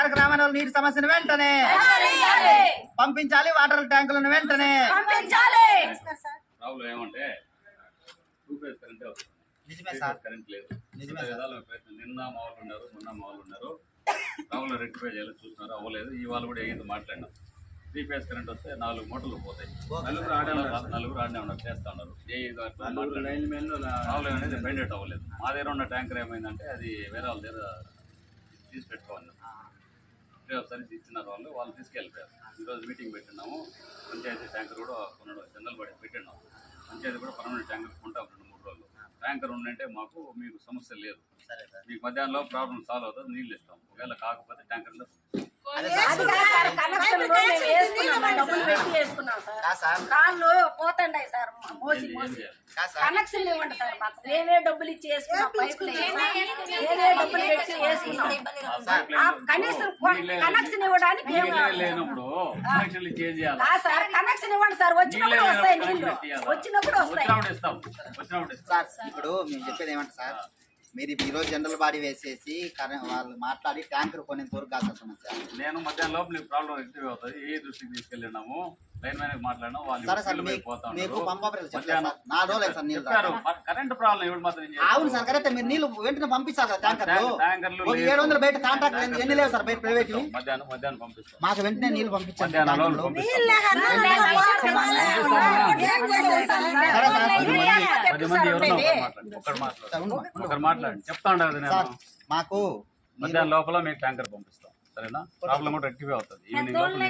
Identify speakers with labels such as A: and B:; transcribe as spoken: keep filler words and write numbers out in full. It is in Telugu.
A: వాడ గ్రామంలో నీటి సమస్యను వెంటనే పంపించాలి, వాటర్ ట్యాంకులను వెంటనే
B: రావులు ఏమంటే టూ ఫేజ్ కరెంటే వస్తుంది.
A: నిజమే సార్,
B: కరెంట్ లేదు.
A: నిజమే
B: విధాలు నిన్న మా వాళ్ళు ఉన్నారు, మొన్న మా వాళ్ళు ఉన్నారు. రావులు రెక్టిఫై చేయాలి చూస్తున్నారు, అవ్వలేదు. ఇవాళ కూడా ఏంది మాట్లాడినాం. త్రీ ఫేజ్ కరెంట్ వస్తే నాలుగు మూటలు పోతాయి. నలుగురు ఆడే ఉన్నారు, నలుగురు ఆడనే ఉన్నారు, చేస్తా ఉన్నారు. ఏ రావులు అనేది బయట అవ్వలేదు. మా దగ్గర ఉన్న ట్యాంకర్ ఏమైందంటే అది వేరే వాళ్ళ దగ్గర తీసి పెట్టుకోవాలి. ఒకసారి ఇచ్చినారు వాళ్ళు, వాళ్ళు తీసుకెళ్ళిపోయారు. ఈరోజు మీటింగ్ పెట్టినాము. పంచాయతీ ట్యాంకర్ కూడా కొనడం జనరల్ బడి పెట్టినాము. పంచాయతీ కూడా పర్మనెంట్ ట్యాంకర్ కొంటాం రెండు మూడు రోజులు. ట్యాంకర్ ఉందంటే మాకు మీకు సమస్య లేదు. మీకు మధ్యాహ్నంలో ప్రాబ్లం సాల్వ్ అవుతుంది, నీళ్ళు ఇస్తాం. ఒకవేళ కాకపోతే ట్యాంకర్లో
C: కాళ్ళు పోతండాయి సార్, మోసి మోసి కనెక్షన్ ఇవ్వండి సార్. మాకు మేమే డబ్బులు ఇచ్చి వేసుకున్నాం, పైపులు మేమే డబ్బులు పెట్టి వేసుకున్నాం. కనీసం కనెక్షన్ ఇవ్వడానికి సార్ కనెక్షన్ ఇవ్వండి సార్. వచ్చినప్పుడు వస్తాయి నీళ్ళు, వచ్చినప్పుడు వస్తాయి.
A: సార్ ఇప్పుడు మేము చెప్పేది ఏమంటే సార్, మీరు ఈ రోజు జనరల్ బాడీ వేసేసి వాళ్ళు మాట్లాడి ట్యాంకర్ కొనేంత వరకు కాదు సమస్య.
B: నేను మధ్యాహ్నం లోపల నీకు ప్రాబ్లం రెక్టివ్ అవుతుంది, ఏ దృష్టికి తీసుకెళ్ళినాము, లైన్ మ్యాన్ మాట్లాడినాం. వాళ్ళు కరెంట్ ప్రాబ్లం ఎవరు మాత్రం.
A: అవును సార్ కరెక్ట్, మీరు నీళ్ళు వెంటనే పంపించాలి కదా ట్యాంకర్. ఏడు వందల బయట కాంట్రాక్ట్ ఎన్ని లేవు సార్ బయట ప్రైవేట్.
B: మధ్యాహ్నం మధ్యాహ్నం పంపిస్తాం,
A: మాకు వెంటనే నీళ్ళు పంపించాలి.
B: పది మంది ఎవరు ఒకరు మాట్లాడు ఒకరు మాట్లాడి చెప్తా ఉండదు. నేను
A: మాకు
B: మధ్యాహ్నం లోపల మీకు ట్యాంకర్ పంపిస్తాం, సరేనా? ప్రాబ్లం కూడా రెక్టిఫై అవుతుంది ఈవినింగ్ లోపల.